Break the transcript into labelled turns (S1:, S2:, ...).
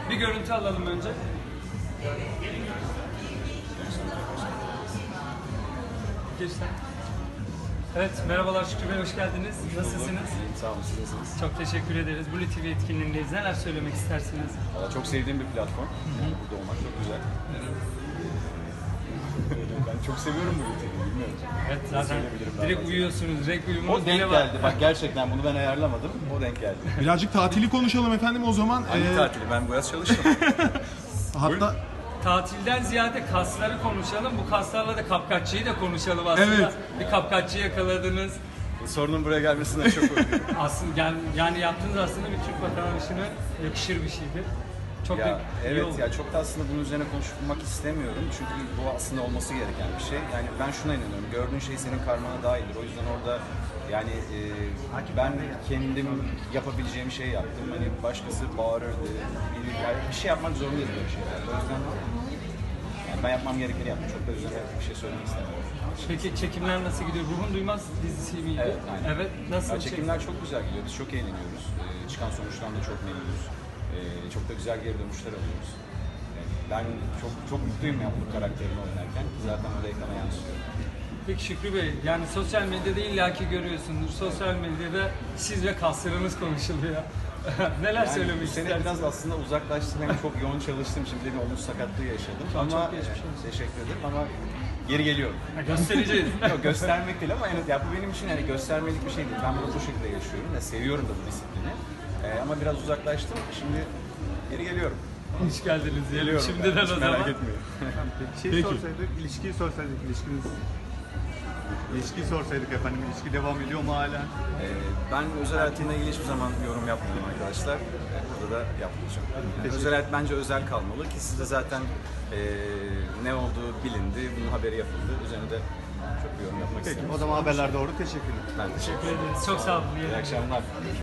S1: Bir görüntü alalım önce. Geçten. Evet, merhabalar Şükrü Bey, hoş geldiniz. Nasılsınız?
S2: Sağ olun, siz nasılsınız?
S1: Çok teşekkür ederiz. Blue TV etkinliğindeyiz. Neler söylemek istersiniz?
S2: Valla çok sevdiğim bir platform. Burada olmak çok güzel. Ben çok seviyorum bu ülkeyi, bilmiyorum.
S1: Evet, zaten direkt uyuyorsunuz, direkt uyumunuz
S2: O denk geldi. Bak gerçekten bunu ben ayarlamadım. O denk geldi.
S3: Birazcık tatili konuşalım efendim o zaman.
S2: Hangi tatili? Ben bu yaz çalıştım.
S3: Hatta
S1: Tatilden ziyade kasları konuşalım. Bu kaslarla da kapkaççıyı da konuşalım aslında.
S3: Evet.
S1: Bir kapkaççı yakaladınız.
S2: Sorunun buraya gelmesinden çok mutluyum.
S1: Aslında yani yaptığınız aslında bir Türk vatandaşına yakışır bir şeydir. Çok da
S2: Ya,
S1: iyi
S2: evet
S1: oldu.
S2: ya çok da aslında bunun üzerine konuşmak istemiyorum. Çünkü bu aslında olması gereken bir şey. Yani ben şuna inanıyorum. Gördüğün şey senin karmana dahildir. O yüzden orada yani ben kendim yapabileceğim şeyi yaptım. Hani başkası bağırırdı. Yani bir şey yapmak zorundayız böyle şeyler. O yüzden yani ben yapmam gerekeni yaptım. Çok da üzerine bir şey söylemek istemiyorum.
S1: Peki çekimler nasıl gidiyor? Ruhun Duymaz dizisi miydi?
S2: Evet, aynen.
S1: Evet, nasıl?
S2: Ya, çekimler çok güzel gidiyor. Biz çok eğleniyoruz. Çıkan sonuçtan da çok memnunuz. Çok da güzel geri dönüşler alıyoruz. Ben çok mutluyum ya bu karakterimi oynarken. Zaten o da ekrana yansıyor.
S1: Peki Şükrü Bey, yani sosyal medyada illaki görüyorsundur. Sosyal medyada siz ve kaslarınız konuşuluyor. Neler
S2: Yani
S1: söylemek
S2: bu sene
S1: istersiniz?
S2: biraz aslında uzaklaştım. Hem çok yoğun çalıştım. Şimdi de bir omuz sakatlığı yaşadım.
S1: Çok
S2: Ama
S1: geçmiş olsun.
S2: teşekkür ederim ama geri geliyorum.
S1: Ha, göstereceğiz.
S2: Yok göstermek değil ama ya bu benim için yani göstermelik bir şey değil. Ben bunu bu şekilde yaşıyorum ve seviyorum da bu disiplini. Ama biraz uzaklaştım. Şimdi geri geliyorum.
S1: Hoş geldiniz diyelim.
S2: Geliyorum.
S1: Şimdiden
S2: ben.
S1: o
S2: Hiç
S1: zaman.
S2: merak etmeyin.
S3: Peki.
S4: İlişkiyi sorsaydık, ilişkiyi sorsaydık efendim, ilişki devam ediyor mu hala?
S2: Ben özel hayatımla ilgili hiçbir zaman yorum yapmıyorum arkadaşlar. Burada da yapmayacağım. Yani özel hayat bence özel kalmalı ki sizde zaten ne olduğu bilindi, bunun haberi yapıldı. Üzerine de çok bir yorum yapmak
S4: Peki,
S2: istemiyorum.
S4: o zaman haberler doğru. Teşekkürler.
S2: Ben teşekkür ederim.
S1: Çok sağ olun.
S2: İyi akşamlar.